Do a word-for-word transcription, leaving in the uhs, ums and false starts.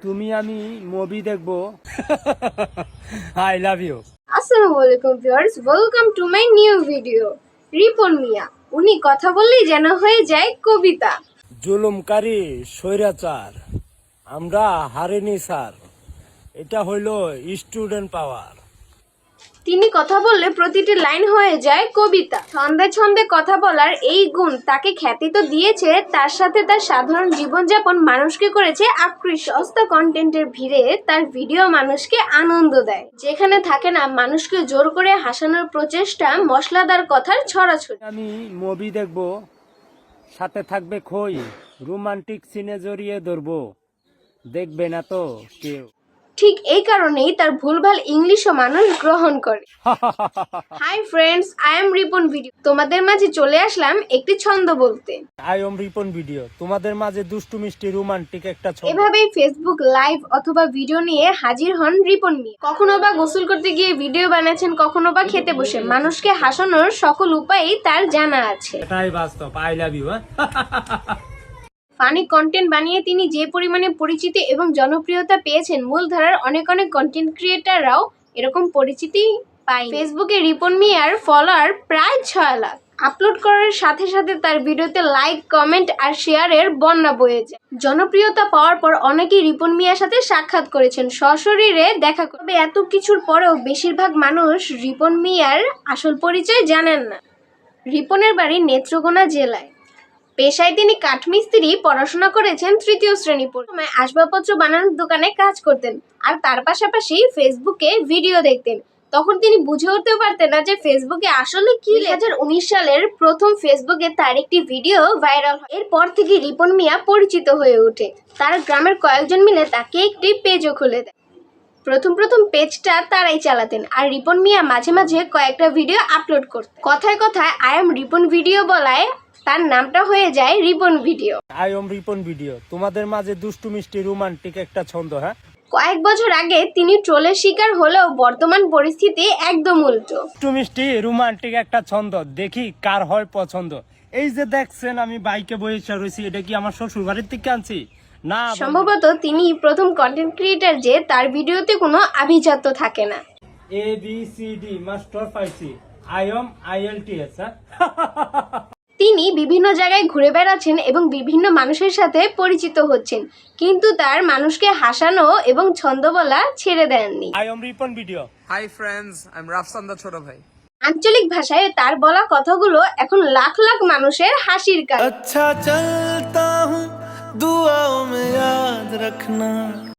তুমি আমি মুভি দেখবো। I love you. আসসালামু আলাইকুম viewers, welcome to my new video. Ripon Mia উনি কথা বললেই যেন হয়ে যায় কবিতা। জুলুমকারী স্বৈরাচার আমরা হারিনি স্যার, এটা হইল স্টুডেন্ট পাওয়ার। তিনি কথা বললে প্রতিটি লাইন হয়ে যায় কবিতা। ছন্দে ছন্দে কথা বলার এই গুণ তাকে খ্যাতি তো দিয়েছে, তার সাথে তার সাধারণ জীবনযাপন মানুষকে করেছে আকৃষ্ট। সস্তা কন্টেন্টের ভিড়ে তার ভিডিও মানুষকে আনন্দ দেয়, যেখানে থাকে না মানুষকে জোর করে হাসানোর প্রচেষ্টা, মশলাদার কথার ছড়াছড়ি। আমি মুভি দেখবো, সাথে থাকবে খই, রোমান্টিক সিনে জড়িয়ে ধরবো, দেখবে না তো কেউ। ঠিক এই কারণেই তার ভুলভাল ইংলিশও মানুষ গ্রহণ করে। Hi friends, I am Ripon video. তোমাদের মাঝে চলে আসলাম একটি ছন্দ বলতে। আই এম রিপন ভিডিও, তোমাদের মাঝে দুষ্টু মিষ্টি রোমান্টিক একটা ছবি। এভাবেই ফেসবুক লাইভ অথবা ভিডিও নিয়ে হাজির হন রিপন মিয়া। কখনো বা গোসল করতে গিয়ে ভিডিও বানাচ্ছেন, কখনো বা খেতে বসে। মানুষকে হাসানোর সকল উপায়ই তার জানা আছে। এটাই বাস্তব। I love you. Funny content বানিয়ে তিনি যে পরিমাণে পরিচিতি এবং জনপ্রিয়তা পেয়েছেন, মূলধারার অনেক অনেক কন্টেন্ট ক্রিয়েটাররাও এরকম পরিচিতি পায়। ফেসবুকে রিপন মিয়ার ফলোয়ার প্রায় ছয় লাখ। আপলোড করার সাথে সাথে তার ভিডিওতে লাইক, কমেন্ট আর শেয়ারের বন্যা বয়ে যায়। জনপ্রিয়তা পাওয়ার পর অনেকেই রিপন মিয়ার সাথে সাক্ষাৎ করেছেন, সশরীরে দেখা করবে। এত কিছুর পরেও বেশিরভাগ মানুষ রিপন মিয়ার আসল পরিচয় জানেন না। রিপনের বাড়ি নেত্রকোনা জেলায়। পেশায় তিনি কাঠমিস্ত্রি, পড়াশোনা করেছেন তৃতীয় শ্রেণী পর্যন্ত। আসবাবপত্র বানানোর দোকানে কাজ করতেন আর তার পাশাপাশি ফেসবুকে ভিডিও দেখতেন। তখন তিনি বুঝে উঠতে পারতেন না যে ফেসবুকে আসলে কি। দুই হাজার উনিশ সালের প্রথম ফেসবুকে তার একটি ভিডিও ভাইরাল হয়। এরপর থেকে রিপন মিয়া পরিচিত হয়ে ওঠে। তার গ্রামের কয়েকজন মিলে তাকে একটি পেজও খুলে দেয়। প্রথম প্রথম পেজটা তারাই চালাতেন আর রিপন মিয়া মাঝে মাঝে কয়েকটা ভিডিও আপলোড করতেন। কথায় কথায় আই এম রিপন ভিডিও বলায় তার নামটা হয়ে যায় Ripon video. I am Ripon video, তোমাদের মাঝে দুষ্টু মিষ্টি রোমান্টিক একটা ছন্দ। হ্যাঁ, কয়েক বছর আগে তিনি ট্রোলের শিকার হলেও বর্তমান পরিস্থিতি একদম উল্টো। দুষ্টু মিষ্টি রোমান্টিক একটা ছন্দ, দেখি কার হয় পছন্দ। এই যে দেখছেন আমি বাইকে বসে রয়েছি, এটা কি আমার শ্বশুর বাড়ির থেকে আনছি না? সম্ভবত তিনি প্রথম কন্টেন্ট ক্রিয়েটার যে তার ভিডিওতে কোনো আভিজাত্য থাকে না। A B C D master পাইছি, I am I L T S. তিনি বিভিন্ন জায়গায় ঘুরে বেড়াচ্ছেন এবং বিভিন্ন মানুষের সাথে পরিচিত হচ্ছেন, কিন্তু তার মানুষকে হাসানো এবং ছন্দ বলা ছেড়ে দেননি। I am Ripon video. Hi friends, I am Rafsan দা ছোট ভাই। আঞ্চলিক ভাষায় তার বলা কথাগুলো এখন লাখ লাখ মানুষের হাসির কারণ। अच्छा चलता हूँ दुआओं में याद रखना।